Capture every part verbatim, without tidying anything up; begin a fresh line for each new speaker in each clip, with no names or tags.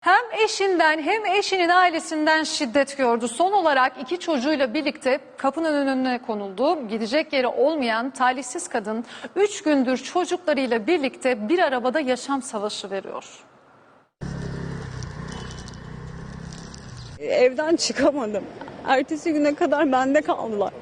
Hem eşinden hem eşinin ailesinden şiddet gördü. Son olarak iki çocuğuyla birlikte kapının önüne konuldu. Gidecek yeri olmayan talihsiz kadın üç gündür çocuklarıyla birlikte bir arabada yaşam savaşı veriyor.
Evden çıkamadım. Ertesi güne kadar bende kaldılar.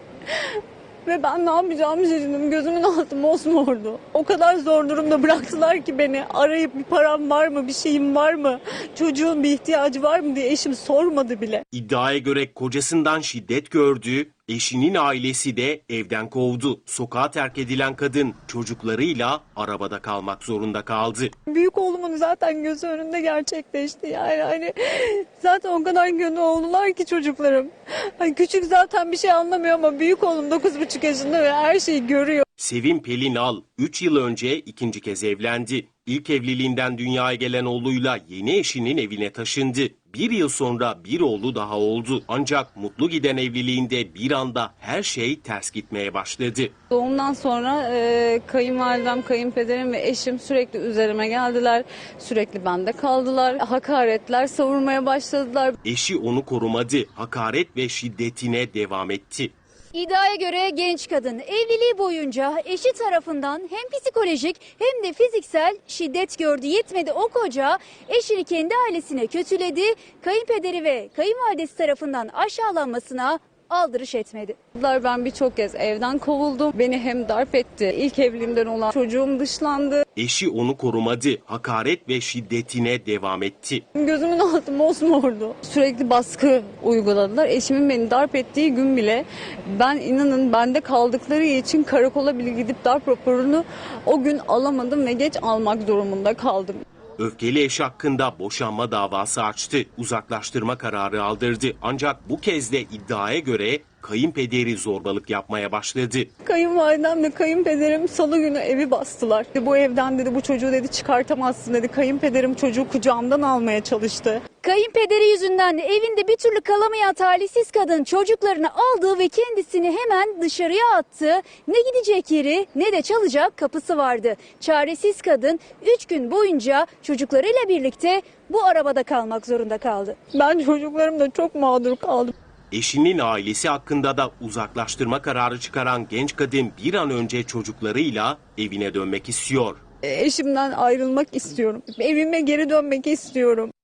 Ve ben ne yapacağımı şaşırdım. Gözümün altı mosmordu. O kadar zor durumda bıraktılar ki beni. Arayıp bir param var mı, bir şeyim var mı, çocuğun bir ihtiyacı var mı diye eşim sormadı bile.
İddiaya göre kocasından şiddet gördü, eşinin ailesi de evden kovdu. Sokağa terk edilen kadın çocuklarıyla arabada kalmak zorunda kaldı.
Büyük oğlumun zaten gözü önünde gerçekleşti. Yani hani zaten o kadar gönül oldular ki çocuklarım. Hani küçük zaten bir şey anlamıyor ama büyük oğlum dokuz buçuk yaşında ve her şeyi görüyor.
Sevim Pelinal üç yıl önce ikinci kez evlendi. İlk evliliğinden dünyaya gelen oğluyla yeni eşinin evine taşındı. Bir yıl sonra bir oğlu daha oldu. Ancak mutlu giden evliliğinde bir anda her şey ters gitmeye başladı.
Doğumdan sonra e, kayınvalidem, kayınpederim ve eşim sürekli üzerime geldiler. Sürekli bende kaldılar. Hakaretler savurmaya başladılar.
Eşi onu korumadı, hakaret ve şiddetine devam etti.
İddiaya göre genç kadın evliliği boyunca eşi tarafından hem psikolojik hem de fiziksel şiddet gördü. Yetmedi, o koca eşini kendi ailesine kötüledi. Kayınpederi ve kayınvalidesi tarafından aşağılanmasına aldırış etmedi.
Ben birçok kez evden kovuldum. Beni hem darp etti. İlk evliliğimden olan çocuğum dışlandı.
Eşi onu korumadı, hakaret ve şiddetine devam etti.
Gözümün altı mosmordu. Sürekli baskı uyguladılar. Eşimin beni darp ettiği gün bile ben inanın bende kaldıkları için karakola bile gidip darp raporunu o gün alamadım ve geç almak durumunda kaldım.
Öfkeli eş hakkında boşanma davası açtı. Uzaklaştırma kararı aldırdı. Ancak bu kez de iddiaya göre kayınpederi zorbalık yapmaya başladı.
Kayınvalidemle kayınpederim salı günü evi bastılar. Bu evden dedi bu çocuğu dedi çıkartamazsın dedi. Kayınpederim çocuğu kucağımdan almaya çalıştı.
Kayınpederi yüzünden evinde bir türlü kalamayan talihsiz kadın çocuklarını aldı ve kendisini hemen dışarıya attı. Ne gidecek yeri ne de çalacak kapısı vardı. Çaresiz kadın üç gün boyunca çocuklarıyla birlikte bu arabada kalmak zorunda kaldı.
Ben çocuklarımla çok mağdur kaldım.
Eşinin ailesi hakkında da uzaklaştırma kararı çıkaran genç kadın bir an önce çocuklarıyla evine dönmek istiyor.
Eşimden ayrılmak istiyorum. Evime geri dönmek istiyorum.